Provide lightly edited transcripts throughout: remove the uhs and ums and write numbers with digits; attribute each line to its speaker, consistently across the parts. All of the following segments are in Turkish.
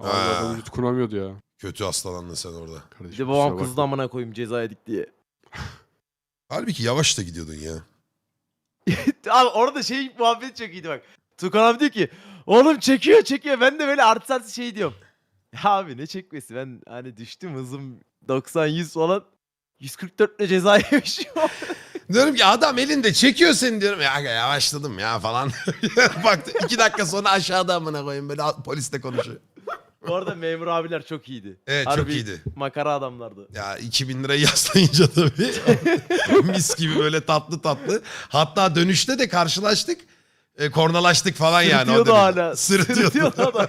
Speaker 1: Adam vücut kuramıyordu ya.
Speaker 2: Kötü hastalandın sen orada.
Speaker 1: Kardeşim,
Speaker 3: Bir de babam
Speaker 1: kusura
Speaker 3: kızdı
Speaker 1: bakma.
Speaker 3: amına koyayım ceza yedik diye.
Speaker 2: Halbuki yavaş da gidiyordun ya.
Speaker 3: Abi orada şey muhabbet çok iyiydi bak. Tukan abi diyor ki oğlum çekiyor. Ben de böyle artı şey diyorum. Ya abi ne çekmesi, ben hani düştüm hızım 90-100 falan. 144 ile ceza yemişim.
Speaker 2: Diyorum ki adam elinde çekiyor seni diyorum. Ya yavaşladım ya falan. Baktı 2 dakika sonra aşağıda amına koyayım böyle polisle konuşuyor.
Speaker 3: Bu arada memur abiler çok iyiydi.
Speaker 2: Evet çok
Speaker 3: Harbi
Speaker 2: iyiydi.
Speaker 3: makara adamlardı.
Speaker 2: Ya 2000 lirayı yaslayınca tabii mis gibi böyle tatlı tatlı. Hatta dönüşte de karşılaştık. Kornalaştık falan yani.
Speaker 3: Sırıtıyordu
Speaker 2: o derece.
Speaker 3: hala.
Speaker 2: Sırıtıyordu.
Speaker 3: adam.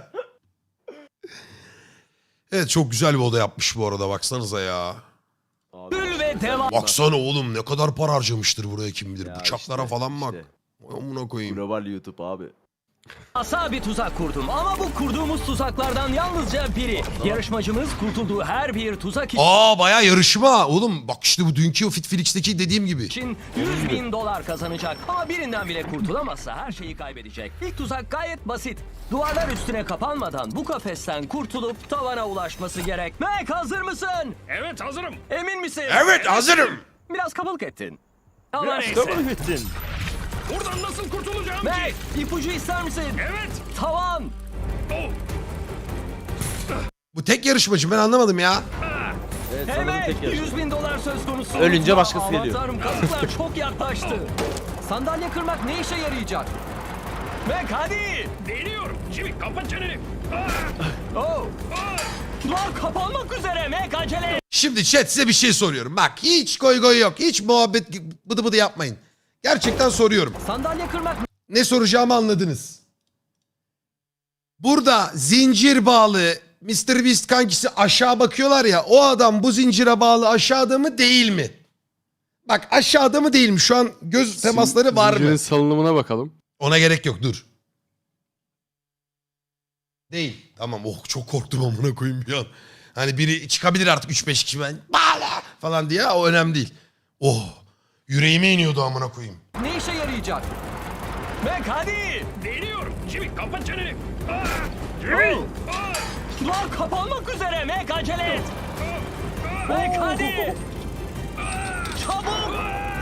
Speaker 2: Evet çok güzel bir oda yapmış bu arada baksanıza ya.
Speaker 3: Abi,
Speaker 4: Ve devam.
Speaker 2: Baksana oğlum ne kadar para harcamıştır buraya kim bilir.
Speaker 3: ya
Speaker 2: Bıçaklara
Speaker 3: işte,
Speaker 2: falan bak.
Speaker 3: işte.
Speaker 2: Amına koyayım.
Speaker 3: Global YouTube abi.
Speaker 4: Asa bir tuzak kurdum ama bu kurduğumuz tuzaklardan yalnızca biri. Yarışmacımız kurtulduğu her bir tuzak
Speaker 2: Aa baya yarışma. Oğlum bak işte bu dünkü o Fitflix'teki dediğim gibi.
Speaker 4: için 100.000 dolar kazanacak. Ama birinden bile kurtulamazsa her şeyi kaybedecek. İlk tuzak gayet basit. Duvarlar üstüne kapanmadan bu kafesten kurtulup tavana ulaşması gerek. Mac hazır mısın?
Speaker 5: Evet hazırım.
Speaker 4: Emin misin?
Speaker 2: Evet hazırım.
Speaker 4: Biraz kabalık ettin. Ama
Speaker 3: Biraz
Speaker 4: neyse.
Speaker 3: kabul ettin.
Speaker 5: Buradan nasıl kurtulacağım
Speaker 4: Mac
Speaker 5: ki?
Speaker 4: ipucu ister misin?
Speaker 5: Evet.
Speaker 4: Tavan.
Speaker 5: Oh.
Speaker 2: Bu tek yarışmacı ben anlamadım ya.
Speaker 3: Evet, sanırım
Speaker 4: Evet,
Speaker 3: tek yarışma.
Speaker 4: 100.000 dolar söz konusu.
Speaker 3: Ölünce başkası
Speaker 4: Aman
Speaker 3: geliyor.
Speaker 4: Tanrım, kazıklar çok yaklaştı. Sandalye kırmak ne işe yarayacak? Mac hadi.
Speaker 5: Deniyorum. Jimmy kapat çeneni. Ah.
Speaker 4: Oh. Duvar kapanmak üzere Mac acele et.
Speaker 2: Şimdi chat size bir şey soruyorum. Bak hiç goy goy yok. Hiç muhabbet bıdı bıdı yapmayın. Gerçekten soruyorum.
Speaker 4: Sandalye kırmak
Speaker 2: Ne soracağımı anladınız. Burada zincir bağlı Mr. Beast kankisi aşağı bakıyorlar ya. O adam bu zincire bağlı aşağıda mı değil mi? Bak aşağıda mı değil mi? Şu an göz temasları var
Speaker 1: Zincirin
Speaker 2: mı?
Speaker 1: salınımına bakalım.
Speaker 2: Ona gerek yok dur. Değil. Tamam oh çok korktum amına koyayım bir an. Hani biri çıkabilir artık 3-5 kişi ben bağla falan diye o önemli değil. Oh yüreğime iniyordu amına koyayım.
Speaker 4: ne işe yarayacak? Mac hadi.
Speaker 5: Deniyorum. Jimmy kapat çeneni. Ah. Jimmy.
Speaker 4: Oh.
Speaker 5: Ah.
Speaker 4: Duvar kapanmak üzere Mac acele et. Mac hadi. Çabuk.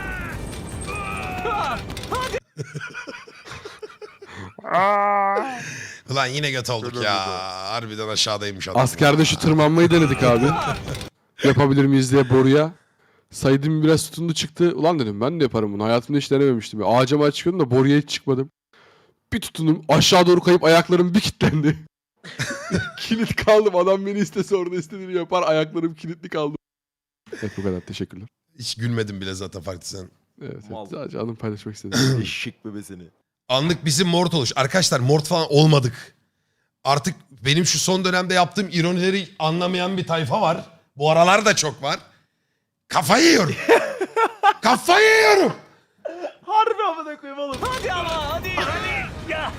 Speaker 4: Ah, hadi.
Speaker 2: Ulan yine göt olduk ya. Harbiden aşağıdaymış adam.
Speaker 1: Askerde şu tırmanmayı denedik abi. Yapabilir miyiz diye boruya. Saydım biraz tutundu çıktı. Ulan dedim ben de yaparım bunu. Hayatımda hiç denememiştim. Ağaca mı çıkıyordum da boruya hiç çıkmadım. Bir tutundum aşağı doğru kayıp ayaklarım bir kilitlendi. Kilit kaldım. Adam beni istese orada istediğini yapar. Ayaklarım kilitli kaldı. Evet bu kadar. Teşekkürler.
Speaker 2: Hiç gülmedim bile zaten farklı sen.
Speaker 1: Evet,
Speaker 3: Mal.
Speaker 1: sadece anımı paylaşmak istedim.
Speaker 3: Eşek bebesini.
Speaker 2: Anlık bizim mort oluş. Arkadaşlar mort falan olmadık. Artık benim şu son dönemde yaptığım ironileri anlamayan bir tayfa var. Bu aralar da çok var. Kafayı yiyorum. Kafayı yiyorum.
Speaker 3: Harbi amına koyayım oğlum.
Speaker 4: Hadi ama hadi. Ya.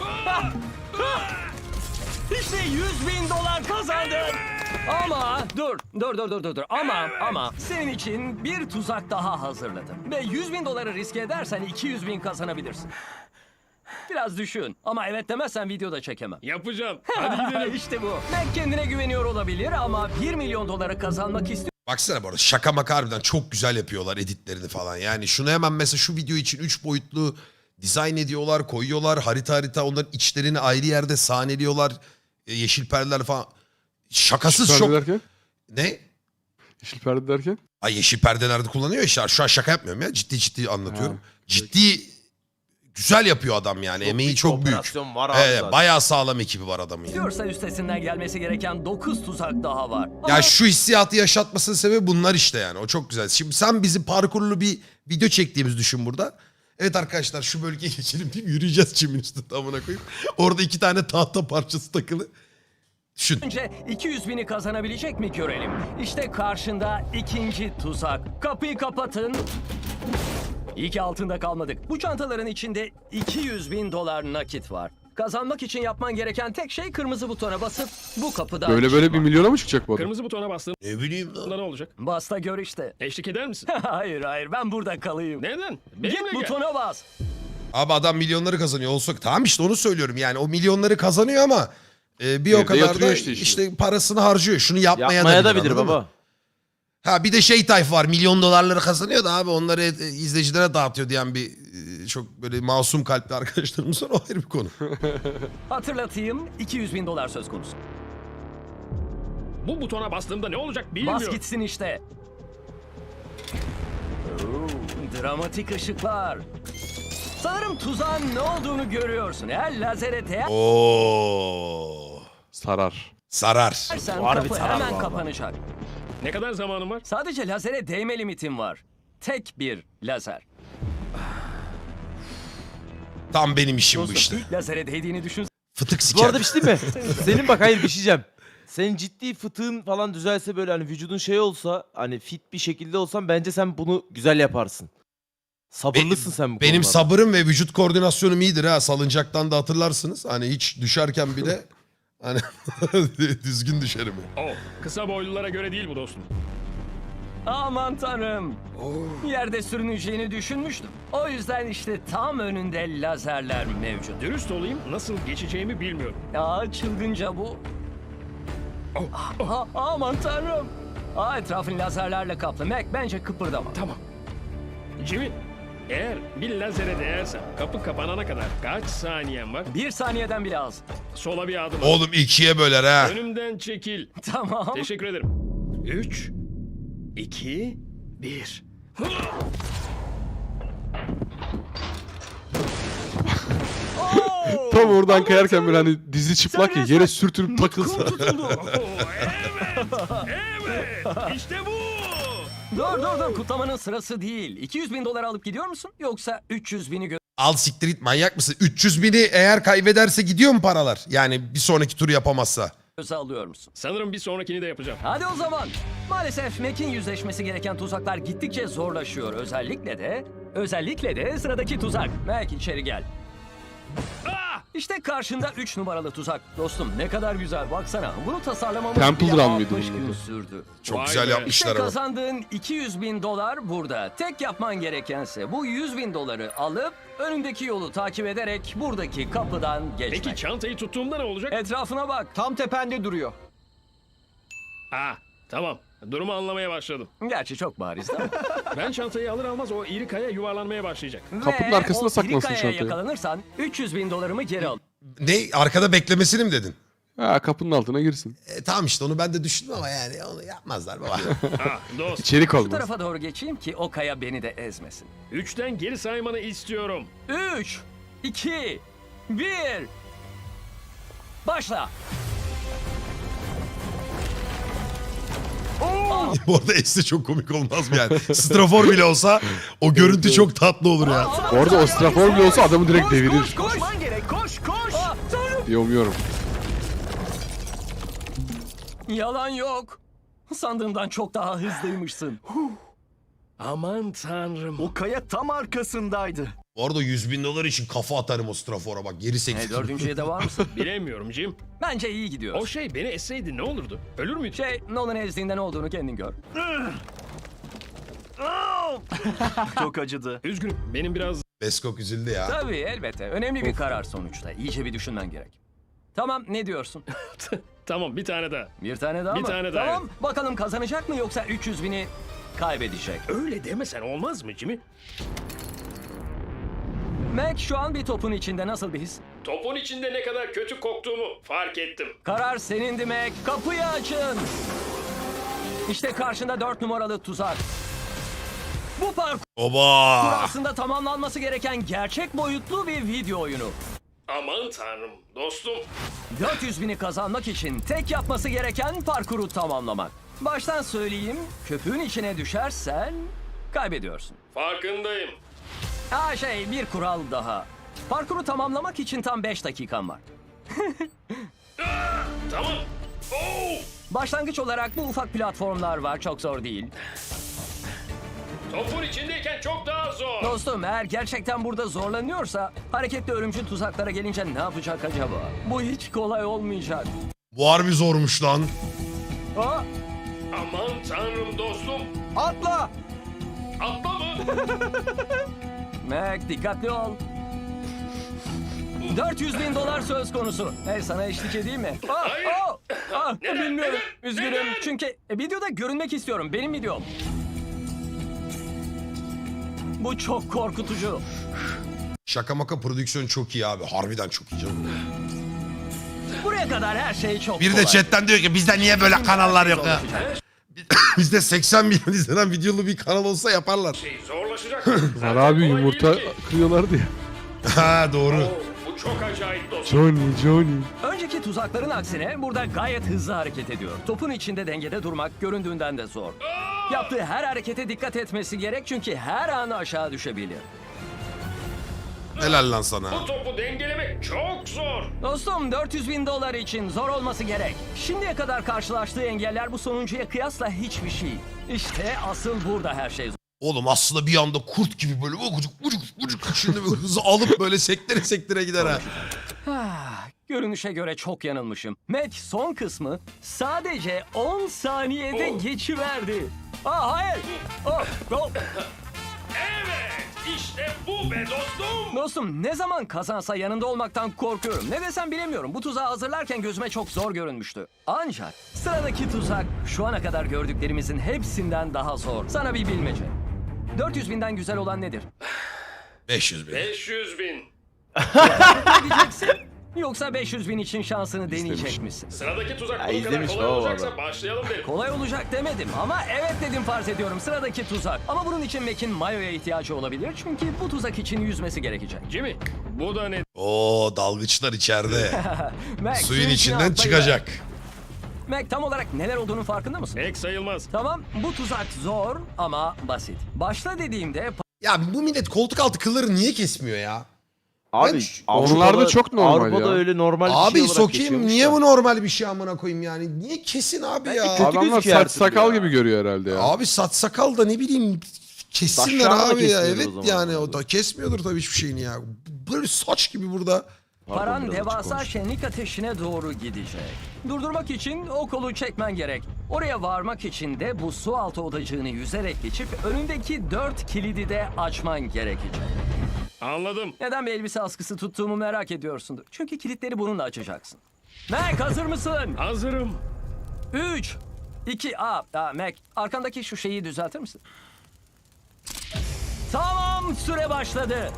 Speaker 4: İşte 100.000 dolar kazandın. Ama dur. Ama senin için bir tuzak daha hazırladım. Ve 100.000 doları riske edersen 200.000 kazanabilirsin. Biraz düşün. Ama evet demezsen videoda çekemem.
Speaker 5: Yapacağım. Hadi gidelim.
Speaker 4: İşte bu. Mac kendine güveniyor olabilir ama 1 milyon doları kazanmak istiyor.
Speaker 2: Baksana bu arada şaka maka harbiden çok güzel yapıyorlar editlerini falan. Yani şunu hemen mesela şu video için 3 boyutlu dizayn ediyorlar, koyuyorlar. Harita onların içlerini ayrı yerde sahneliyorlar. Yeşil perdeler falan. Şakasız
Speaker 1: Yeşil
Speaker 2: çok...
Speaker 1: perde derken?
Speaker 2: Ne?
Speaker 1: Yeşil perde derken?
Speaker 2: Ay yeşil perdelerde kullanıyor işte. Şu an şaka yapmıyorum ya. Ciddi anlatıyorum.
Speaker 1: Ha,
Speaker 2: ciddi güzel yapıyor adam yani. Emeği çok büyük.
Speaker 3: Operasyon var abi
Speaker 2: Evet,
Speaker 3: zaten.
Speaker 2: bayağı sağlam ekibi var adamın. Yani.
Speaker 4: Diyorsa üstesinden gelmesi gereken 9 tuzak daha var.
Speaker 2: Ya şu hissiyatı yaşatmasının sebebi bunlar işte yani. O çok güzel. Şimdi sen bizi parkurlu bir video çektiğimiz düşün burada. Evet arkadaşlar şu bölgeye geçelim deyip yürüyeceğiz çimin üstünde amına koyayım. Orada 2 tane tahta parçası takılı. Düşün.
Speaker 4: Önce 200.000'i kazanabilecek mi görelim. İşte karşında ikinci tuzak. Kapıyı kapatın. İyi ki altında kalmadık. Bu çantaların içinde 200.000 dolar nakit var. Kazanmak için yapman gereken tek şey kırmızı butona basıp bu kapıdan
Speaker 1: Böyle
Speaker 4: çıkmak.
Speaker 1: 1 milyona mı çıkacak bu adam?
Speaker 5: Kırmızı butona bastığımda
Speaker 2: Ne bileyim lan.
Speaker 5: ne olacak?
Speaker 4: Bas da gör işte.
Speaker 5: Eşlik eder misin?
Speaker 4: hayır ben burada kalayım.
Speaker 5: Neden?
Speaker 4: Git
Speaker 5: Benimle gel.
Speaker 4: butona bas.
Speaker 2: Abi adam milyonları kazanıyor olsa tamam işte onu söylüyorum yani o milyonları kazanıyor ama Bir o
Speaker 1: Evde
Speaker 2: kadar da
Speaker 1: yatırıyor
Speaker 2: işte,
Speaker 1: işte
Speaker 2: parasını harcıyor. Şunu yapmaya,
Speaker 3: Yapmaya da
Speaker 2: bilir,
Speaker 3: bilir
Speaker 2: anladın mı?
Speaker 3: baba.
Speaker 2: Ha bir de şey tayfa var, milyon dolarları kazanıyor da abi onları izleyicilere dağıtıyor diyen bir çok böyle masum kalpli arkadaşlarımız var, o ayrı bir konu.
Speaker 4: Hatırlatayım, 200 bin dolar söz konusu.
Speaker 5: Bu butona bastığımda ne olacak
Speaker 4: Bas
Speaker 5: bilmiyorum.
Speaker 4: gitsin işte. Dramatik ışıklar. Sanırım tuzağın ne olduğunu görüyorsun. Eğer lazere
Speaker 2: Oo.
Speaker 1: Sarar.
Speaker 2: Sarar.
Speaker 4: değersen
Speaker 3: Harbi
Speaker 4: kapı
Speaker 3: sarar
Speaker 4: hemen
Speaker 3: bu arada.
Speaker 4: kapanacak.
Speaker 5: Ne kadar zamanım var?
Speaker 4: Sadece lazere değme limitin var. Tek bir lazer.
Speaker 2: Tam benim işim bu
Speaker 4: Dostum,
Speaker 2: işte.
Speaker 4: ilk lazere değdiğini düşün.
Speaker 2: Fıtık
Speaker 3: Bu
Speaker 2: siker.
Speaker 3: arada bir şey değil mi? Senin bak hayır bir şey diyeceğim. Senin ciddi fıtığın falan düzelse böyle hani vücudun şey olsa hani fit bir şekilde olsan bence sen bunu güzel yaparsın. Sabırlısın sen bu
Speaker 2: Benim
Speaker 3: konularda.
Speaker 2: sabırım ve vücut koordinasyonum iyidir ha. Salıncaktan da hatırlarsınız. Hani hiç düşerken bile hani düzgün düşerim.
Speaker 5: Oh, kısa boylulara göre değil bu dostum.
Speaker 4: Aman tanrım. Yerde sürüneceğini düşünmüştüm. O yüzden işte tam önünde lazerler mevcut.
Speaker 5: Dürüst olayım, nasıl geçeceğimi bilmiyorum.
Speaker 4: Aa, çılgınca bu. Aman tanrım. Etrafın lazerlerle kaplı. Mac bence kıpırdama.
Speaker 5: Tamam. Jimmy, eğer bir lazere değersem kapı kapanana kadar kaç saniyen var?
Speaker 4: 1 saniyeden bile az.
Speaker 5: Sola bir adım at.
Speaker 2: Oğlum ikiye böler ha.
Speaker 5: Önümden çekil.
Speaker 4: Tamam.
Speaker 5: Teşekkür ederim. 3, 2, 1.
Speaker 1: Tam oradan kayarken böyle hani dizi çıplak ya yere sürtünüp takılsa.
Speaker 5: Evet, evet. İşte bu.
Speaker 4: Dur. Kutlamanın sırası değil. 200 bin dolar alıp gidiyor musun? Yoksa 300 bini
Speaker 2: Al siktir git, manyak mısın? 300 bini eğer kaybederse gidiyor mu paralar? Yani bir sonraki turu yapamazsa.
Speaker 4: göze alıyor musun?
Speaker 5: Sanırım bir sonrakini de yapacağım.
Speaker 4: Hadi o zaman. Maalesef Mac'in yüzleşmesi gereken tuzaklar gittikçe zorlaşıyor. Özellikle de sıradaki tuzak. Mac içeri gel.
Speaker 5: Ah!
Speaker 4: İşte karşında 3 numaralı tuzak. Dostum ne kadar güzel baksana. Bunu tasarlamamız
Speaker 1: Temple
Speaker 4: bile
Speaker 1: Run mıydı
Speaker 4: 60
Speaker 1: bunun
Speaker 4: gün
Speaker 1: adı?
Speaker 4: sürdü.
Speaker 2: Çok
Speaker 5: Vay
Speaker 2: güzel
Speaker 5: be.
Speaker 4: İşte
Speaker 2: yapmışlar ama.
Speaker 4: kazandığın 200 bin dolar burada. Tek yapman gerekense bu 100 bin doları alıp önündeki yolu takip ederek buradaki kapıdan geçmek.
Speaker 5: Peki çantayı tuttuğumda ne olacak?
Speaker 4: Etrafına bak.
Speaker 6: Tam tepende duruyor.
Speaker 5: Ah, tamam. Durumu anlamaya başladım.
Speaker 4: Gerçi çok bariz ama.
Speaker 5: Ben çantayı alır almaz o iri kaya yuvarlanmaya başlayacak.
Speaker 1: Kapının
Speaker 4: Ve
Speaker 1: arkasına
Speaker 4: o
Speaker 1: saklansın
Speaker 4: iri kayaya
Speaker 1: çantayı.
Speaker 4: yakalanırsan 300 bin dolarımı geri al.
Speaker 2: Ne? Arkada beklemesini mi dedin?
Speaker 1: Ha, kapının altına girsin.
Speaker 2: Tamam işte onu ben de düşündüm ama yani onu yapmazlar baba.
Speaker 5: Ah, dost.
Speaker 1: İçerik
Speaker 4: Bu
Speaker 1: olmaz.
Speaker 4: tarafa doğru geçeyim ki o kaya beni de ezmesin.
Speaker 5: 3'ten geri saymanı istiyorum.
Speaker 4: 3, 2, 1. Başla.
Speaker 2: Bu arada Es'te çok komik olmaz mı yani? Strafor bile olsa o görüntü çok tatlı olur ya.
Speaker 1: Bu arada o strafor bile olsa adamı direkt devirir.
Speaker 4: Koşman gerek. Koş. Tanrım.
Speaker 1: Yomuyorum.
Speaker 4: Yalan yok. Sandığımdan çok daha hızlıymışsın.
Speaker 5: Aman tanrım.
Speaker 6: O kaya tam arkasındaydı.
Speaker 2: Bu arada 100 bin dolar için kafa atarım o Strafor'a bak geri sektir.
Speaker 4: Dördüncüye de var mısın?
Speaker 5: Bilemiyorum Jim.
Speaker 4: Bence iyi gidiyoruz.
Speaker 5: O şey beni esseydi ne olurdu? Ölür müydü?
Speaker 4: Nolan ezdiğinde ne olduğunu kendin gör.
Speaker 6: Çok acıdı.
Speaker 5: Üzgünüm. Benim biraz...
Speaker 2: Beskok üzüldü ya.
Speaker 4: Tabii elbette. Önemli bir karar sonuçta. İyice bir düşünmen gerek. Tamam ne diyorsun?
Speaker 5: Tamam, bir tane daha.
Speaker 4: Bir tane daha
Speaker 5: Bir
Speaker 4: mı?
Speaker 5: tane daha,
Speaker 4: Tamam bakalım kazanacak mı yoksa 300 bini kaybedecek.
Speaker 5: Öyle demesen olmaz mı Jimmy?
Speaker 4: Mac şu an bir topun içinde nasıl bir his?
Speaker 5: Topun içinde ne kadar kötü koktuğumu fark ettim.
Speaker 4: Karar senindi Mac. Kapıyı açın. İşte karşında 4 numaralı tuzak. Bu parkur
Speaker 2: Oba!
Speaker 4: aslında tamamlanması gereken gerçek boyutlu bir video oyunu.
Speaker 5: Aman tanrım. Dostum.
Speaker 4: 400 bini kazanmak için tek yapması gereken parkuru tamamlamak. Baştan söyleyeyim, köpüğün içine düşersen kaybediyorsun.
Speaker 5: Farkındayım.
Speaker 4: Bir kural daha. Parkuru tamamlamak için tam 5 dakikan var.
Speaker 5: Tamam. Oo!
Speaker 4: Başlangıç olarak bu ufak platformlar var, çok zor değil.
Speaker 5: Topun içindeyken çok daha zor.
Speaker 4: Dostum eğer gerçekten burada zorlanıyorsa hareketli örümcül tuzaklara gelince ne yapacak acaba? Bu hiç kolay olmayacak.
Speaker 2: Bu harbi zormuş lan.
Speaker 4: Aa,
Speaker 5: Aman tanrım dostum.
Speaker 6: Atla!
Speaker 5: Atla mı?
Speaker 4: Mac dikkatli ol. $400.000 söz konusu. Hey, sana eşlik edeyim mi?
Speaker 5: Hayır.
Speaker 4: Bilmiyorum. Üzgünüm. Çünkü videoda görünmek istiyorum. Benim videom. Bu çok korkutucu.
Speaker 2: Şaka maka prodüksiyon çok iyi abi. Harbiden çok iyi canım.
Speaker 4: Buraya kadar her şey çok
Speaker 2: Bir
Speaker 4: kolay.
Speaker 2: de chatten diyor ki bizde niye böyle kanallar yok ya? Bizde 80 milyon izlenen videolu bir kanal olsa yaparlar.
Speaker 5: Zorlaşacak.
Speaker 1: Var
Speaker 5: Zaten
Speaker 1: abi
Speaker 5: kolay
Speaker 1: yumurta
Speaker 5: değil ki.
Speaker 1: kırıyorlardı ya.
Speaker 2: Ha doğru.
Speaker 5: Oo, bu çok acayip dostum.
Speaker 1: Johnny.
Speaker 4: Önceki tuzakların aksine burada gayet hızlı hareket ediyor. Topun içinde dengede durmak göründüğünden de zor. Yaptığı her harekete dikkat etmesi gerek çünkü her an aşağı düşebilir.
Speaker 2: Helal lan sana.
Speaker 5: Bu topu dengelemek çok zor.
Speaker 4: Dostum, $400.000 için zor olması gerek. Şimdiye kadar karşılaştığı engeller bu sonuncuya kıyasla hiçbir şey. İşte asıl burada her şey zor.
Speaker 2: Oğlum aslında bir anda kurt gibi böyle ucuk şimdi böyle hızı alıp böyle sektire sektire gider ha.
Speaker 4: Görünüşe göre çok yanılmışım. Mac son kısmı sadece 10 saniyede geçiverdi. Hayır. Oh.
Speaker 5: Evet, işte bu be dostum.
Speaker 4: Dostum, ne zaman kazansa yanında olmaktan korkuyorum. Ne desem bilemiyorum. Bu tuzağı hazırlarken gözüme çok zor görünmüştü. Ancak sıradaki tuzak şu ana kadar gördüklerimizin hepsinden daha zor. Sana bir bilmece. 400.000'den güzel olan nedir?
Speaker 2: 500 bin.
Speaker 5: 500 bin.
Speaker 4: Ne diyeceksin? Yoksa 500.000 için şansını deneyecek misin?
Speaker 5: Sıradaki tuzak
Speaker 3: Ya
Speaker 5: bu kadar
Speaker 3: izlemiş
Speaker 5: kolay
Speaker 3: baba
Speaker 5: olacaksa
Speaker 3: adam.
Speaker 5: başlayalım derim.
Speaker 4: Kolay olacak demedim ama evet dedim, farz ediyorum. Sıradaki tuzak. Ama bunun için Mac'in mayoya ihtiyacı olabilir. Çünkü bu tuzak için yüzmesi gerekecek.
Speaker 5: Jimmy, bu da ne?
Speaker 2: Oo dalgıçlar içeride.
Speaker 4: Mac,
Speaker 2: Suyun
Speaker 4: içine
Speaker 2: içinden
Speaker 4: atlayıver.
Speaker 2: çıkacak.
Speaker 4: Mac, tam olarak neler olduğunun farkında mısın?
Speaker 5: Pek sayılmaz.
Speaker 4: Tamam, bu tuzak zor ama basit. Başla dediğimde
Speaker 2: Ya bu millet koltuk altı kılları niye kesmiyor ya?
Speaker 3: Abi
Speaker 2: Ben-
Speaker 1: Onlarda çok normal
Speaker 3: Avrupa'da
Speaker 1: ya.
Speaker 3: öyle normal bir
Speaker 2: Abi
Speaker 3: şey olarak
Speaker 2: sokayım
Speaker 3: geçiyormuş
Speaker 2: niye
Speaker 3: da.
Speaker 2: bu normal bir şey amına koyayım yani? Niye kesin abi ya?
Speaker 3: kötü
Speaker 1: Adamlar
Speaker 3: gözüküyor her
Speaker 1: saç
Speaker 3: türlü
Speaker 1: sakal
Speaker 3: ya.
Speaker 1: gibi görüyor herhalde ya.
Speaker 2: Abi saç sakal da ne bileyim kessinler
Speaker 3: Saçlarını da
Speaker 2: abi ya.
Speaker 3: kesmiyordur
Speaker 2: Evet
Speaker 3: o zaman.
Speaker 2: yani o da kesmiyordur tabii hiçbir şeyini ya. Böyle saç gibi burada.
Speaker 4: paran
Speaker 3: biraz açık
Speaker 4: devasa
Speaker 3: konuş.
Speaker 4: şenlik ateşine doğru gidecek. Durdurmak için o kolu çekmen gerek. Oraya varmak için de bu su altı odacığını yüzerek geçip önündeki 4 kilidi de açman gerekecek.
Speaker 5: Anladım.
Speaker 4: Neden bir elbise askısı tuttuğumu merak ediyorsundur. Çünkü kilitleri bununla açacaksın. Mac, hazır mısın?
Speaker 5: Hazırım.
Speaker 4: 3, 2, Mac, arkandaki şu şeyi düzeltir misin? Tamam, süre başladı.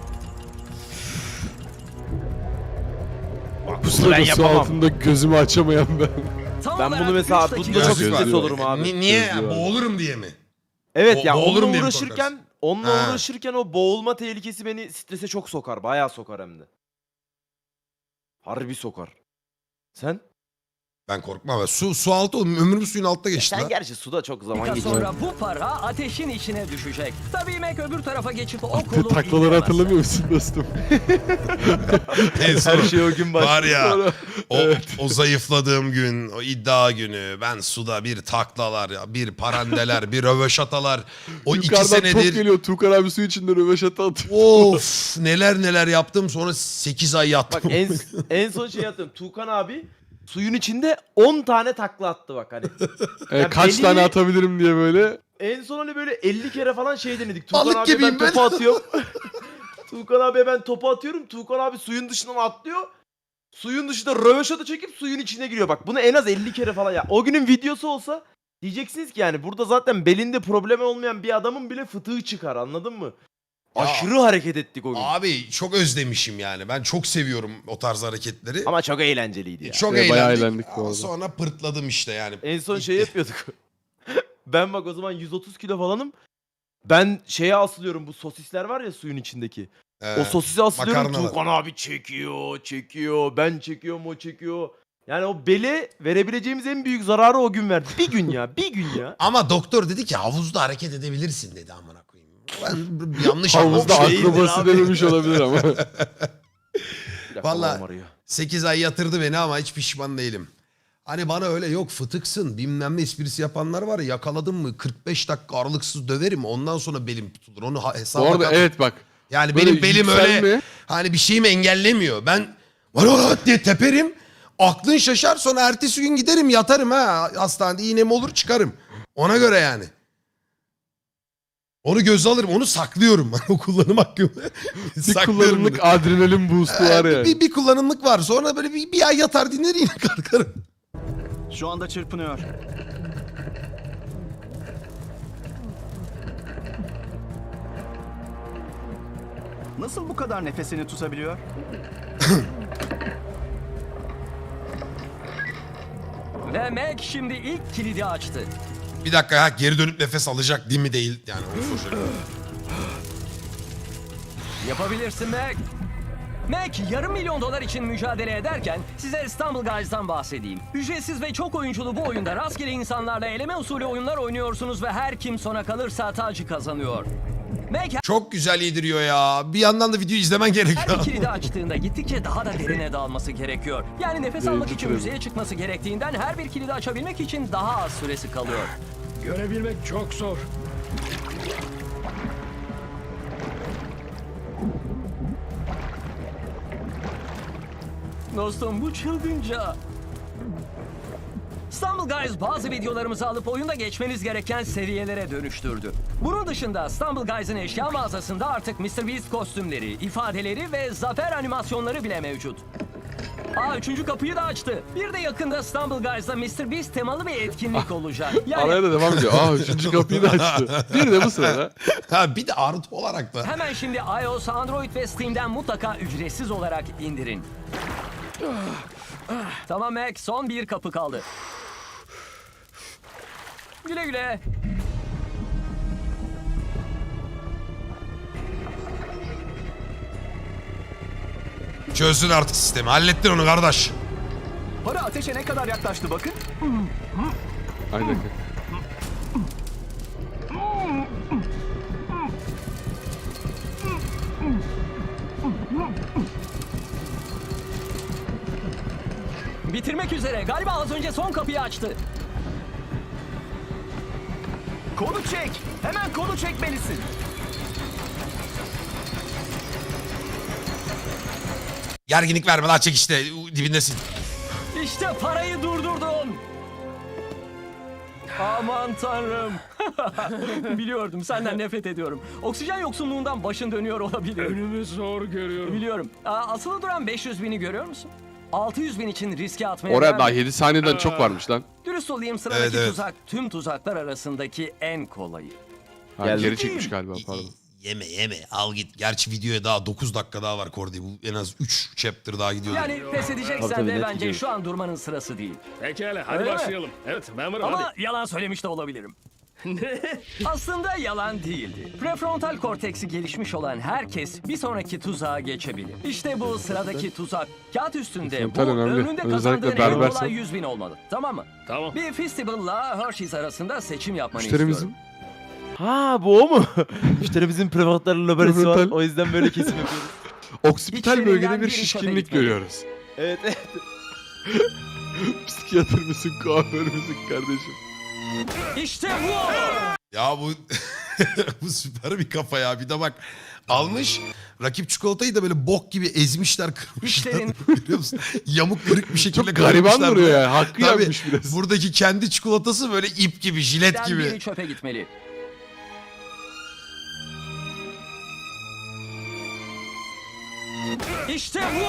Speaker 1: Bu sırada su
Speaker 3: yapamam.
Speaker 1: altında gözümü açamayan ben.
Speaker 4: Tam
Speaker 3: Ben
Speaker 4: olarak
Speaker 3: bunu mesela
Speaker 4: 3 dakika
Speaker 3: bunda çok
Speaker 1: Gözlüğü
Speaker 3: stres
Speaker 1: var.
Speaker 3: olurum abi.
Speaker 2: Niye?
Speaker 1: Gözlüğü var.
Speaker 2: Boğulurum diye mi?
Speaker 3: Evet ya
Speaker 2: Boğulurum
Speaker 3: onunla
Speaker 2: diye mi
Speaker 3: uğraşırken
Speaker 2: Ha.
Speaker 3: o boğulma tehlikesi beni strese çok sokar. Bayağı sokar hem de. Harbi sokar. Sen?
Speaker 2: Ben korkmam. Su altı oğlum. Ömrüm suyun altta geçti
Speaker 3: Sen
Speaker 2: lan.
Speaker 3: gerçi suda çok zaman
Speaker 4: dakika
Speaker 3: geçiyor.
Speaker 4: sonra bu para ateşin içine düşecek. Tabii Mac öbür tarafa geçip o
Speaker 1: Attığı
Speaker 4: kolu
Speaker 1: taklaları
Speaker 4: indiremez.
Speaker 1: hatırlamıyor musun dostum?
Speaker 2: En son
Speaker 3: Her şey o gün başlıyor.
Speaker 2: var ya o zayıfladığım gün, o iddia günü ben suda bir taklalar, ya, bir parandeler, bir röveşatalar. O 2
Speaker 1: Yukarıdan top
Speaker 2: senedir
Speaker 1: geliyor. Tuğkan abi su içinde röveşata atıyor.
Speaker 2: of neler yaptım sonra 8 ay yattım.
Speaker 3: Bak en son şey yaptım. Tuğkan abi suyun içinde 10 tane takla attı bak hani. Ya
Speaker 1: Kaç
Speaker 3: belli-
Speaker 1: tane atabilirim diye böyle.
Speaker 3: En son hani böyle 50 kere falan şey denedik. Tuğkan
Speaker 2: Balık
Speaker 3: abi
Speaker 2: gibiyim ben.
Speaker 3: topu atıyorum. Tuğkan abi ben topu atıyorum. Tuğkan abi suyun dışından atlıyor. Suyun dışında röveşata çekip suyun içine giriyor. Bak bunu en az 50 kere falan ya. O günün videosu olsa diyeceksiniz ki yani burada zaten belinde problemi olmayan bir adamın bile fıtığı çıkar, anladın mı?
Speaker 2: Ya.
Speaker 3: Aşırı hareket ettik o gün.
Speaker 2: Abi çok özlemişim yani. Ben çok seviyorum o tarz hareketleri.
Speaker 3: Ama çok eğlenceliydi ya.
Speaker 2: Çok
Speaker 1: Bayağı
Speaker 2: eğlendik.
Speaker 1: eğlendik bu
Speaker 2: Ama
Speaker 1: arada.
Speaker 2: sonra pırtladım işte yani.
Speaker 3: En son şey yapıyorduk. Ben bak o zaman 130 kilo falanım. Ben şeye asılıyorum, bu sosisler var ya suyun içindeki. O sosisi asılıyorum.
Speaker 2: makarnalar.
Speaker 3: Tuğkan abi çekiyor. Ben çekiyorum, o çekiyor. Yani o bele verebileceğimiz en büyük zararı o gün verdi. Bir gün ya.
Speaker 2: Ama doktor dedi ki havuzda hareket edebilirsin dedi amına koyayım. Ben yanlış
Speaker 1: Havuzda
Speaker 2: anlamışım.
Speaker 1: akrobasi denemiş olabilir ama.
Speaker 3: Bir dakika,
Speaker 2: Vallahi-
Speaker 3: babam arıyor.
Speaker 2: 8 ay yatırdı beni ama hiç pişman değilim. Hani bana öyle yok fıtıksın bilmem ne esprisi yapanlar var ya, yakaladım mı 45 dakika aralıksız döverim ondan sonra belim tutulur. Onu hesaba
Speaker 1: Bu arada
Speaker 2: kat.
Speaker 1: evet bak.
Speaker 2: Yani
Speaker 1: böyle
Speaker 2: benim belim öyle
Speaker 1: yükselme-
Speaker 2: hani bir şeyimi engellemiyor. Ben var diye teperim. Aklın şaşar, sonra ertesi gün giderim yatarım ha. Hastanede iğnem olur çıkarım. Ona göre yani. Onu göze alırım. Onu saklıyorum. O kullanım hakkımı.
Speaker 1: Bir
Speaker 2: Saklıyorum
Speaker 1: kullanımlık
Speaker 2: bunu.
Speaker 1: adrenalin boost'u var ya.
Speaker 2: Bir kullanımlık var. Sonra böyle bir ay yatar dinler yine kalkarım.
Speaker 6: Şu anda çırpınıyor. Nasıl bu kadar nefesini tutabiliyor?
Speaker 4: Ve Mac şimdi ilk kilidi açtı.
Speaker 2: Bir dakika ya, geri dönüp nefes alacak değil mi değil. Yani onu soracağım.
Speaker 4: Yapabilirsin Mac. Mac yarım milyon dolar için mücadele ederken size Stumble Guys'dan bahsedeyim. Ücretsiz ve çok oyunculu bu oyunda rastgele insanlarla eleme usulü oyunlar oynuyorsunuz ve her kim sona kalırsa tacı kazanıyor. Mac
Speaker 2: Çok güzel yediriyor ya. Bir yandan da videoyu izlemen
Speaker 4: her
Speaker 2: gerekiyor.
Speaker 4: bir kilidi açtığında gittikçe daha da derine dalması gerekiyor. Yani nefes almak için
Speaker 1: tabii.
Speaker 4: yüzeye çıkması gerektiğinden her bir kilidi açabilmek için daha az süresi kalıyor.
Speaker 5: Görebilmek çok zor.
Speaker 4: Dostum bu çılgınca. Stumble Guys bazı videolarımızı alıp oyunda geçmeniz gereken seviyelere dönüştürdü. Bunun dışında Stumble Guys'ın eşya mağazasında artık MrBeast kostümleri, ifadeleri ve zafer animasyonları bile mevcut. Üçüncü kapıyı da açtı. Bir de yakında Stumble Guys'da MrBeast temalı bir etkinlik olacak.
Speaker 1: Araya
Speaker 4: Yani
Speaker 1: da devam ediyor. Üçüncü kapıyı da açtı. Bir de bu sırada.
Speaker 2: Ha, bir de artı olarak da.
Speaker 4: hemen şimdi iOS, Android ve Steam'den mutlaka ücretsiz olarak indirin. Tamam Mac, son bir kapı kaldı. Güle güle.
Speaker 2: Çözsün artık sistemi. Hallettin onu kardeş.
Speaker 6: Para ateşe ne kadar yaklaştı bakın.
Speaker 1: Aynen.
Speaker 4: Bitirmek üzere. Galiba az önce son kapıyı açtı.
Speaker 6: Kolu çek. Hemen kolu çekmelisin.
Speaker 2: Gerginlik verme lan, çek işte. Dibindesin.
Speaker 4: İşte parayı durdurdun. Aman tanrım. Biliyordum, senden nefret ediyorum. Oksijen yoksunluğundan başın dönüyor olabilir.
Speaker 5: Önümü zor görüyorum.
Speaker 4: Biliyorum. Asılı duran 500 bini görüyor musun? 600 bin için riske atmaya
Speaker 1: Oraya
Speaker 4: değer
Speaker 1: daha
Speaker 4: mi?
Speaker 1: 7 saniyeden çok varmış lan.
Speaker 4: Dürüst olayım, sıradaki
Speaker 2: Evet, evet.
Speaker 4: tuzak tüm tuzaklar arasındaki en kolayı.
Speaker 1: Geri
Speaker 3: Geldi.
Speaker 1: çekmiş galiba pardon.
Speaker 2: Yeme al git. Gerçi videoya daha 9 dakika daha var Kordi. Bu en az 3 chapter daha gidiyor.
Speaker 4: Yani pes edeceksen
Speaker 3: Tabii,
Speaker 4: de
Speaker 3: net
Speaker 4: bence
Speaker 3: gidiyor.
Speaker 4: şu an durmanın sırası değil.
Speaker 5: Pekala hadi
Speaker 4: Öyle mi?
Speaker 5: başlayalım. Evet ben varım
Speaker 4: Ama
Speaker 5: hadi.
Speaker 4: yalan söylemiş de olabilirim. Aslında yalan değildi. Prefrontal korteksi gelişmiş olan herkes bir sonraki tuzağa geçebilir. İşte bu sıradaki tuzak. Kağıt üstünde bu
Speaker 1: Prefrontal önemli.
Speaker 4: önünde
Speaker 1: Özellikle
Speaker 4: kazandığın en
Speaker 1: berbersen.
Speaker 4: kolay 100 bin olmalı. Tamam mı?
Speaker 5: Tamam.
Speaker 4: Bir Festival'la Hershey's arasında seçim yapmanı
Speaker 1: Müşterimizin
Speaker 4: istiyorum.
Speaker 3: Ha bu o mu? Müşterimizin prefrontal lobesi var.
Speaker 1: Prefrontal.
Speaker 3: O yüzden böyle kesim yapıyoruz.
Speaker 1: oksipital
Speaker 4: İçlerinden
Speaker 1: bölgede bir
Speaker 4: biri çöpe
Speaker 1: şişkinlik
Speaker 4: gitmeli.
Speaker 1: görüyoruz.
Speaker 3: Evet evet.
Speaker 1: Psikiyatr mısın, kuaför müsün kardeşim?
Speaker 4: İşte bu!
Speaker 2: Ya bu bu süper bir kafa ya. Bir de bak, almış rakip çikolatayı da böyle bok gibi ezmişler, kırmışlar.
Speaker 4: İşlerin-
Speaker 2: Biliyor musun? Yamuk kırık bir şekilde
Speaker 1: Çok gariban
Speaker 2: kırmışlar.
Speaker 1: duruyor yani. Hakkı
Speaker 2: Tabii,
Speaker 1: yenmiş biraz.
Speaker 2: buradaki kendi çikolatası böyle ip gibi, jilet
Speaker 4: Ben
Speaker 2: gibi.
Speaker 4: biri çöpe gitmeli. İşte bu!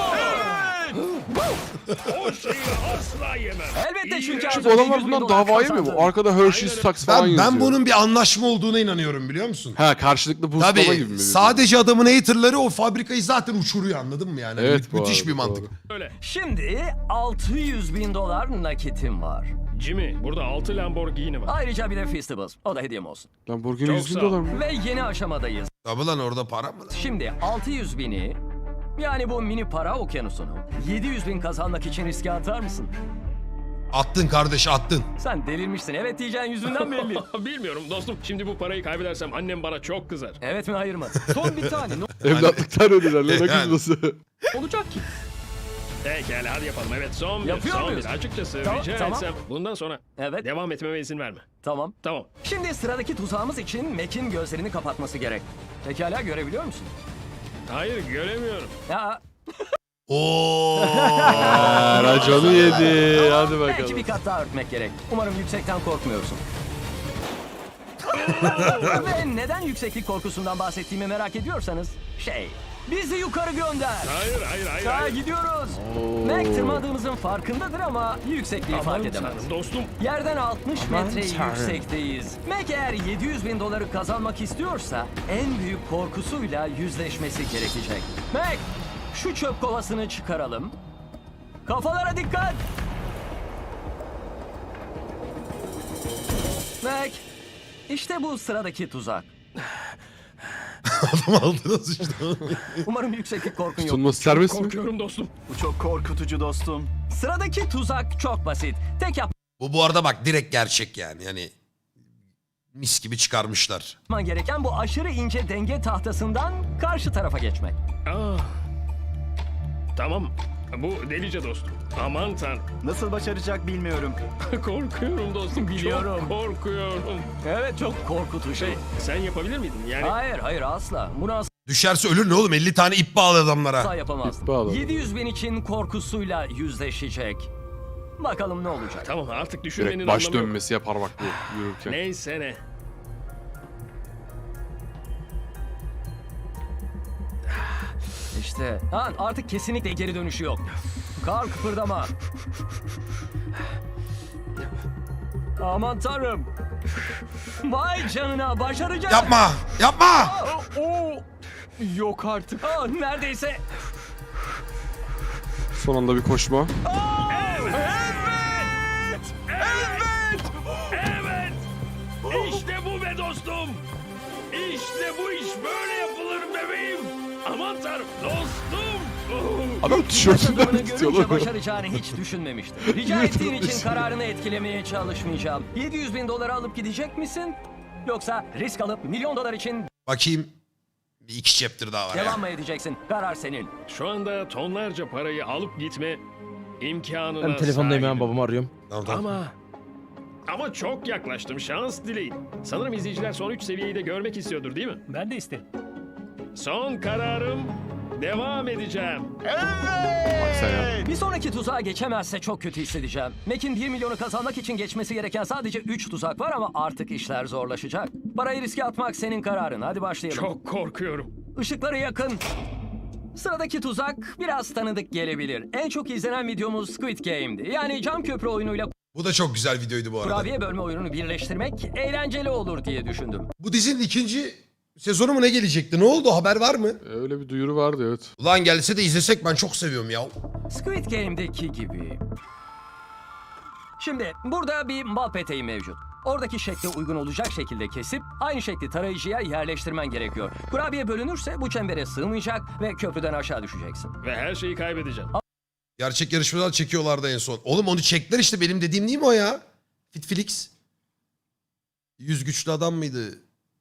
Speaker 5: O şeyi asla yemem.
Speaker 4: Elbette çünkü az
Speaker 1: Çünkü
Speaker 4: önce
Speaker 1: adamlar
Speaker 4: 100 bin
Speaker 1: bundan
Speaker 4: dolar
Speaker 1: dava yemiyor mu?
Speaker 4: kazandın.
Speaker 1: Arkada Hershey's Stocks falan yazıyor.
Speaker 2: Ben bunun bir anlaşma olduğuna inanıyorum, biliyor musun?
Speaker 1: Ha, karşılıklı boostlama gibi
Speaker 2: Tabii
Speaker 1: mi?
Speaker 2: sadece adamın haterları o fabrikayı zaten uçuruyor, anladın mı yani?
Speaker 1: Evet, bu
Speaker 2: Müthiş
Speaker 1: arada,
Speaker 2: bir mantık.
Speaker 1: doğru.
Speaker 5: Öyle.
Speaker 4: Şimdi 600 bin dolar nakitim var.
Speaker 5: Jimmy burada 6 Lamborghini var.
Speaker 4: Ayrıca bir de Festivals. O da hediyem olsun.
Speaker 1: Lamborghini
Speaker 5: Çok
Speaker 1: 100 bin
Speaker 5: sağ ol.
Speaker 1: dolar mı?
Speaker 4: Ve yeni aşamadayız.
Speaker 2: Tabii lan, orada para mı lan?
Speaker 4: Şimdi 600 bini, yani bu mini para okyanusunu 700 bin kazanmak için riske atar mısın?
Speaker 2: Attın kardeş, attın.
Speaker 4: Sen delirmişsin. Evet diyeceğin yüzünden belli.
Speaker 5: Bilmiyorum dostum. Şimdi bu parayı kaybedersem annem bana çok kızar.
Speaker 4: Evet mi hayır mı?
Speaker 6: Son bir tane.
Speaker 1: Evlatlıktan ölürler lan, ne
Speaker 2: Yani.
Speaker 1: kızması.
Speaker 4: Olacak ki.
Speaker 5: Pekala hadi yapalım. Evet son bir.
Speaker 4: Yapıyor
Speaker 5: Son
Speaker 4: muyuz?
Speaker 5: bir. Açıkçası
Speaker 4: Tamam,
Speaker 5: rica
Speaker 4: tamam.
Speaker 5: etsem bundan sonra
Speaker 4: Evet
Speaker 5: devam etmeme izin verme.
Speaker 4: tamam.
Speaker 5: Tamam.
Speaker 4: Şimdi sıradaki tuzağımız için Mac'in gözlerini kapatması gerek. Pekala görebiliyor musun?
Speaker 5: Hayır göremiyorum.
Speaker 4: Ya
Speaker 2: Oo.
Speaker 1: Raconu yedi. Hadi
Speaker 4: belki bir
Speaker 1: bakalım.
Speaker 4: kat daha örtmek gerek. Umarım yüksekten korkmuyorsun. Ve neden yükseklik korkusundan bahsettiğimi merak ediyorsanız bizi yukarı gönder.
Speaker 5: Hayır.
Speaker 4: Gidiyoruz. Mac tırmandığımızın farkındadır ama yüksekliği
Speaker 5: Aman
Speaker 4: fark edemez.
Speaker 5: tanrım dostum.
Speaker 4: Yerden 60 metre
Speaker 3: tanrım.
Speaker 4: yüksekteyiz. Mac eğer 700 bin doları kazanmak istiyorsa en büyük korkusuyla yüzleşmesi gerekecek. Mac, şu çöp kovasını çıkaralım. Kafalara dikkat. Mac, işte bu sıradaki tuzak.
Speaker 2: Adam aldınız işte.
Speaker 4: Umarım yükseklik korkun yok.
Speaker 1: Tutunması serbest mi?
Speaker 5: Korkuyorum dostum.
Speaker 6: Bu çok korkutucu dostum.
Speaker 4: Sıradaki tuzak çok basit. Tek
Speaker 2: Bu arada bak direkt gerçek yani. Yani mis gibi çıkarmışlar.
Speaker 4: yapman gereken bu aşırı ince denge tahtasından karşı tarafa geçmek.
Speaker 5: Tamam. Bu delice dostum. Aman tanrım.
Speaker 6: Nasıl başaracak bilmiyorum.
Speaker 5: Korkuyorum dostum.
Speaker 4: Biliyorum.
Speaker 5: Çok korkuyorum.
Speaker 4: Evet, çok korkutucu.
Speaker 5: Sen yapabilir miydin? Yani
Speaker 4: Hayır asla. Bunu
Speaker 2: Düşerse ölür ne oğlum? 50 tane ip bağlı adamlara.
Speaker 4: asla yapamazdım.
Speaker 1: Bağladım.
Speaker 4: 700 bin için korkusuyla yüzleşecek. Bakalım ne olacak.
Speaker 5: tamam artık düşünmenin
Speaker 1: Direkt baş
Speaker 5: anlamı yok.
Speaker 1: dönmesi yapar bak bu yürürken.
Speaker 5: Neyse ne.
Speaker 4: İşte artık kesinlikle geri dönüşü yok. Kar kıpırdama. Aman tanrım. Vay canına, başaracak.
Speaker 2: Yapma! Yapma!
Speaker 4: Yok artık. Neredeyse.
Speaker 1: Son anda bir koşma.
Speaker 5: Evet. İşte bu be dostum. İşte bu iş böyle yapılır bebeğim. Aman tanrım dostum.
Speaker 1: Adam tişörtünden
Speaker 4: Adımını
Speaker 1: tutuyor
Speaker 4: görünce
Speaker 1: lan.
Speaker 4: başaracağını hiç düşünmemiştim. Rica ettiğin için kararını etkilemeye çalışmayacağım. 700 bin doları alıp gidecek misin? Yoksa risk alıp milyon dolar için
Speaker 2: Bakayım. Bir iki chapter daha var ya.
Speaker 4: devam mı edeceksin? Karar senin.
Speaker 5: Şu anda tonlarca parayı alıp gitme imkanına
Speaker 3: Ben telefondayım ya,
Speaker 5: sahibim.
Speaker 3: babamı arıyorum.
Speaker 2: Tamam.
Speaker 5: Ama çok yaklaştım. Şans dileyin. Sanırım izleyiciler son 3 seviyeyi de görmek istiyordur değil mi?
Speaker 4: Ben de isterim.
Speaker 5: Son kararım. Devam edeceğim.
Speaker 1: Sen ya.
Speaker 4: Bir sonraki tuzağa geçemezse çok kötü hissedeceğim. Mac'in 1 milyonu kazanmak için geçmesi gereken sadece 3 tuzak var ama artık işler zorlaşacak. Parayı riske atmak senin kararın. Hadi başlayalım.
Speaker 5: Çok korkuyorum.
Speaker 4: Işıkları yakın. Sıradaki tuzak biraz tanıdık gelebilir. En çok izlenen videomuz Squid Game'di. Yani cam köprü oyunuyla
Speaker 2: Bu da çok güzel videoydu bu arada.
Speaker 4: kurabiye bölme oyununu birleştirmek eğlenceli olur diye düşündüm.
Speaker 2: Bu dizinin ikinci sezonu mu ne gelecekti? Ne oldu? Haber var mı?
Speaker 1: Öyle bir duyuru vardı evet.
Speaker 2: Ulan gelse de izlesek, ben çok seviyorum ya.
Speaker 4: Squid Game'deki gibi. Şimdi burada bir bal peteği mevcut. Oradaki şekle uygun olacak şekilde kesip aynı şekli tarayıcıya yerleştirmen gerekiyor. Kurabiye bölünürse bu çembere sığmayacak ve köprüden aşağı düşeceksin.
Speaker 5: Ve her şeyi kaybedeceğim.
Speaker 2: Gerçek yarışmalar çekiyorlardı en son. Oğlum onu çektiler işte, benim dediğim değil mi o ya? Fitflix. 100 güçlü adam mıydı?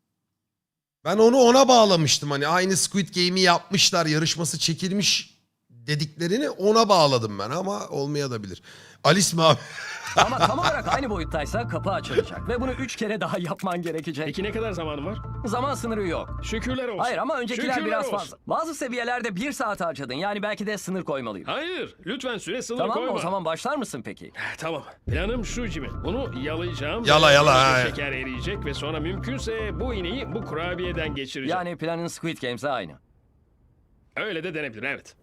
Speaker 2: Ben onu ona bağlamıştım, hani aynı Squid Game'i yapmışlar, yarışması çekilmiş dediklerini ona bağladım ben, ama olmayabilir. Alice mi abi?
Speaker 4: Ama tam olarak aynı boyuttaysa kapı açılacak ve bunu 3 kere daha yapman gerekecek.
Speaker 5: Peki ne kadar zamanım var?
Speaker 4: Zaman sınırı yok.
Speaker 5: Şükürler olsun.
Speaker 4: Hayır ama öncekiler
Speaker 5: Şükürler
Speaker 4: biraz
Speaker 5: olsun.
Speaker 4: fazla. Bazı seviyelerde 1 saat harcadın. Yani belki de sınır koymalıyım.
Speaker 5: Hayır. Lütfen süre sınırı
Speaker 4: Tamam
Speaker 5: koyma.
Speaker 4: o zaman başlar mısın peki?
Speaker 5: Tamam. Planım şu Jimmy. Bunu yalayacağım.
Speaker 2: Yala,
Speaker 5: ve
Speaker 2: yala,
Speaker 5: böylece
Speaker 2: ha.
Speaker 5: şeker eriyecek ve sonra mümkünse bu iğneyi bu kurabiyeden geçireceğim.
Speaker 4: Yani planın Squid Games'e aynı.
Speaker 5: Öyle de denebilir evet.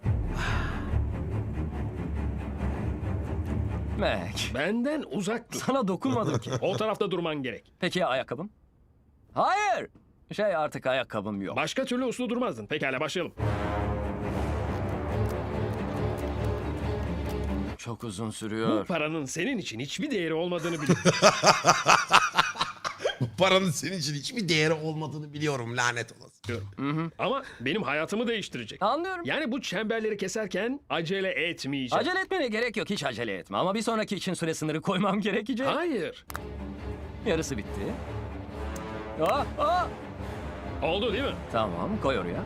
Speaker 4: Mac,
Speaker 5: Benden uzak dur.
Speaker 4: sana dokunmadım ki.
Speaker 5: O tarafta durman gerek.
Speaker 4: Peki ya ayakkabım? Hayır. Artık ayakkabım yok.
Speaker 5: Başka türlü uslu durmazdın. Pekala başlayalım.
Speaker 4: Çok uzun
Speaker 5: Bu
Speaker 4: sürüyor.
Speaker 5: paranın senin için hiçbir değeri olmadığını biliyorum.
Speaker 2: Bu paranın senin için hiçbir değeri olmadığını biliyorum, lanet olası.
Speaker 5: Ama benim hayatımı değiştirecek.
Speaker 4: Anlıyorum.
Speaker 5: Yani bu çemberleri keserken acele etmeyeceğim.
Speaker 4: Acele etmene gerek yok. Hiç acele etme. Ama bir sonraki için süre sınırı koymam gerekecek.
Speaker 5: Hayır.
Speaker 4: Yarısı bitti.
Speaker 5: Oldu değil mi?
Speaker 4: Tamam, koy oraya.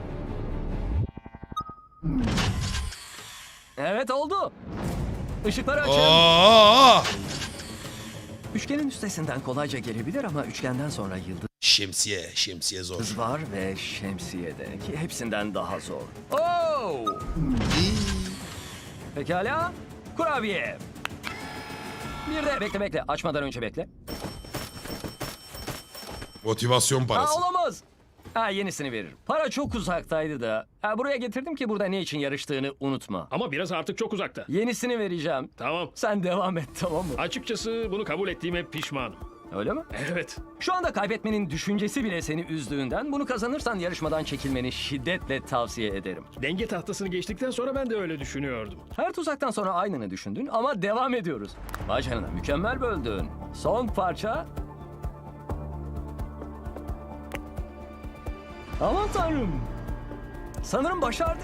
Speaker 4: Evet oldu. Işıkları açın.
Speaker 2: Oo!
Speaker 4: Üçgenin üstesinden kolayca gelebilir ama üçgenden sonra yıldız
Speaker 2: Şemsiye zor.
Speaker 4: var ve şemsiye de ki hepsinden daha zor. Oo! Pekala. Kurabiye. Bir de bekle açmadan önce bekle.
Speaker 2: Motivasyon parası.
Speaker 4: Olamaz. Yenisini veririm. Para çok uzaktaydı da. Buraya getirdim ki burada ne için yarıştığını unutma.
Speaker 5: Ama biraz artık çok uzakta.
Speaker 4: Yenisini vereceğim.
Speaker 5: Tamam.
Speaker 4: Sen devam et, tamam mı?
Speaker 5: Açıkçası bunu kabul ettiğime pişmanım.
Speaker 4: Öyle mi?
Speaker 5: Evet.
Speaker 4: Şu anda kaybetmenin düşüncesi bile seni üzdüğünden bunu kazanırsan yarışmadan çekilmeni şiddetle tavsiye ederim.
Speaker 5: Denge tahtasını geçtikten sonra ben de öyle düşünüyordum.
Speaker 4: Her tuzaktan sonra aynını düşündün ama devam ediyoruz. Vay canına, mükemmel böldün. Son parça. Aman tanrım. Sanırım başardı.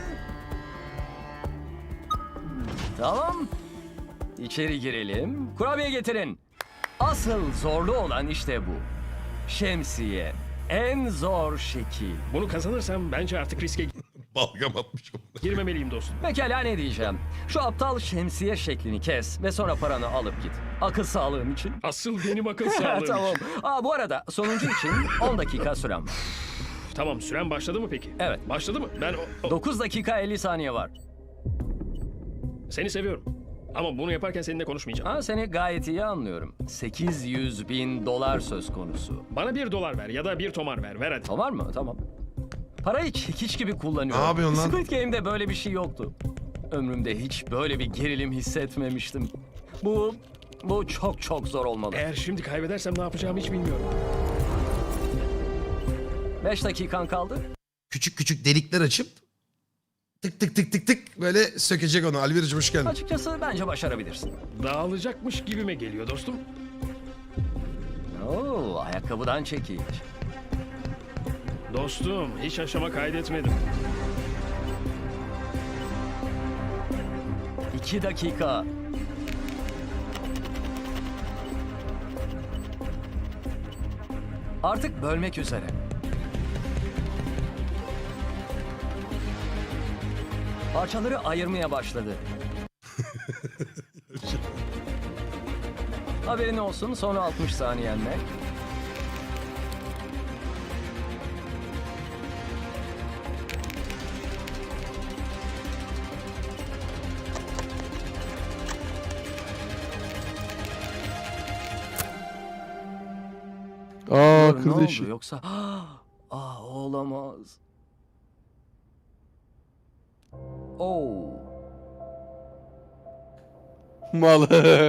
Speaker 4: Tamam. İçeri girelim. Kurabiye getirin. Asıl zorlu olan işte bu. Şemsiye. En zor şekil.
Speaker 5: Bunu kazanırsam bence artık riske
Speaker 2: Balgam atmış.
Speaker 5: girmemeliyim dostum.
Speaker 4: Pekala, ne diyeceğim? Şu aptal şemsiye şeklini kes ve sonra paranı alıp git. Akıl sağlığım için.
Speaker 5: Asıl benim akıl sağlığım.
Speaker 4: Tamam. Bu arada sonuncu için 10 dakika sürem var.
Speaker 5: Tamam, süren başladı mı peki?
Speaker 4: Evet.
Speaker 5: Başladı mı? Ben
Speaker 4: 9 dakika 50 saniye var.
Speaker 5: seni seviyorum. Ama bunu yaparken seninle konuşmayacağım.
Speaker 4: Seni gayet iyi anlıyorum. 800.000 dolar söz konusu.
Speaker 5: Bana $1 ver ya da 1 tomar ver. Ver hadi.
Speaker 4: Tamam mı? Tamam. Parayı çekiç gibi kullanıyorum.
Speaker 2: Ne yapıyorsun lan?
Speaker 4: Squid Game'de böyle bir şey yoktu. Ömrümde hiç böyle bir gerilim hissetmemiştim. Bu çok çok zor olmalı.
Speaker 5: Eğer şimdi kaybedersem ne yapacağımı hiç bilmiyorum.
Speaker 4: 5 dakikan kaldı.
Speaker 2: Küçük küçük delikler açıp tık tık tık tık tık böyle sökecek onu. Alvirciğim hoş geldin.
Speaker 4: Açıkçası bence başarabilirsin.
Speaker 5: Dağılacakmış gibime geliyor dostum.
Speaker 4: Ayakkabıdan çekiç.
Speaker 5: Dostum, hiç aşama kaydetmedim.
Speaker 4: 2 dakika. Artık bölmek üzere. Parçaları ayırmaya başladı. Haberin olsun, sonra 60 saniyenle. Ne
Speaker 1: Kırdı
Speaker 4: oldu
Speaker 1: işi.
Speaker 4: yoksa? Olamaz.
Speaker 1: Mal.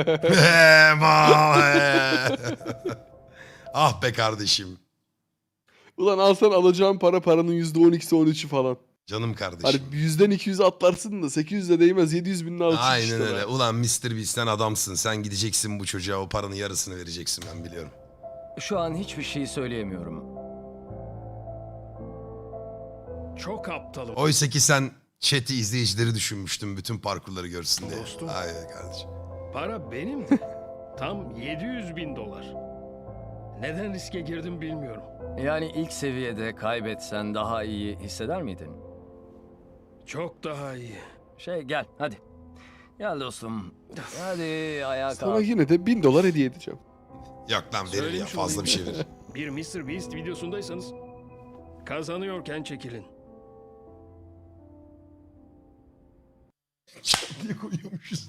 Speaker 2: Ah be kardeşim.
Speaker 1: Ulan alsan alacağın paranın %12'si 13'ü falan.
Speaker 2: Canım kardeşim.
Speaker 1: Hani 100'den 200'e atlarsın da 800'e değmez, 700 bin alırsın
Speaker 2: Aynen
Speaker 1: işte
Speaker 2: öyle.
Speaker 1: be.
Speaker 2: Ulan Mr. Beast'ten adamsın. Sen gideceksin bu çocuğa o paranın yarısını vereceksin ben biliyorum.
Speaker 4: Şu an hiçbir şey söyleyemiyorum.
Speaker 5: Çok aptalım.
Speaker 2: Oysa ki sen chat'i izleyicileri düşünmüştün bütün parkurları görsün diye.
Speaker 5: Dostum.
Speaker 2: Aynen kardeşim.
Speaker 5: Para benimdi. Tam $700.000. Neden riske girdim bilmiyorum.
Speaker 4: Yani ilk seviyede kaybetsen daha iyi hisseder miydin?
Speaker 5: Çok daha iyi.
Speaker 4: Gel hadi. Gel dostum. Hadi ayağa
Speaker 1: Sana
Speaker 4: kalk.
Speaker 1: yine de $1000 hediye edeceğim.
Speaker 2: Yok lan verir ya
Speaker 5: Söylemiş
Speaker 2: fazla bir şey
Speaker 5: olayım.
Speaker 2: verir.
Speaker 5: Bir Mr. Beast videosundaysanız kazanıyorken çekilin.
Speaker 2: Niye koyuyormuşuz?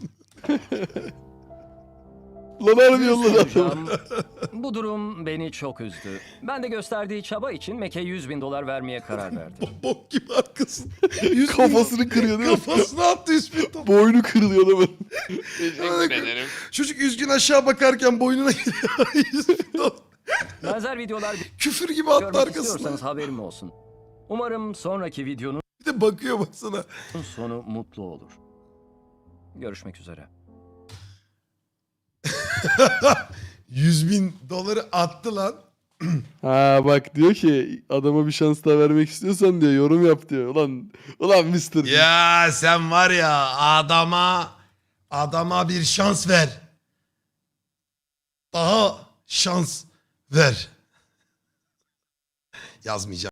Speaker 1: Lan harbi
Speaker 4: Dürüst
Speaker 1: yolladı adamı.
Speaker 4: olacağım, bu durum beni çok üzdü. Ben de gösterdiği çaba için Mac'e $100.000 vermeye karar verdim.
Speaker 2: Bok gibi arkasın.
Speaker 1: Kafasını kırıyor değil mi?
Speaker 2: Kafasına attı 100 bin top.
Speaker 1: Boynu kırılıyor adamın.
Speaker 2: Çocuk üzgün aşağı bakarken boynuna giriyor. 100 bin dolar.
Speaker 4: Benzer videolar
Speaker 2: Küfür gibi attı
Speaker 4: görmek
Speaker 2: arkasına.
Speaker 4: istiyorsanız haberim olsun. Umarım sonraki videonun
Speaker 2: Bir de bakıyor baksana.
Speaker 4: sonu mutlu olur. Görüşmek üzere.
Speaker 2: 100 bin doları attı lan.
Speaker 1: Bak diyor ki adama bir şans daha vermek istiyorsan diyor yorum yap diyor. Ulan Mr. Beast.
Speaker 2: Ya sen var ya adama bir şans ver. Daha şans ver. Yazmayacağım.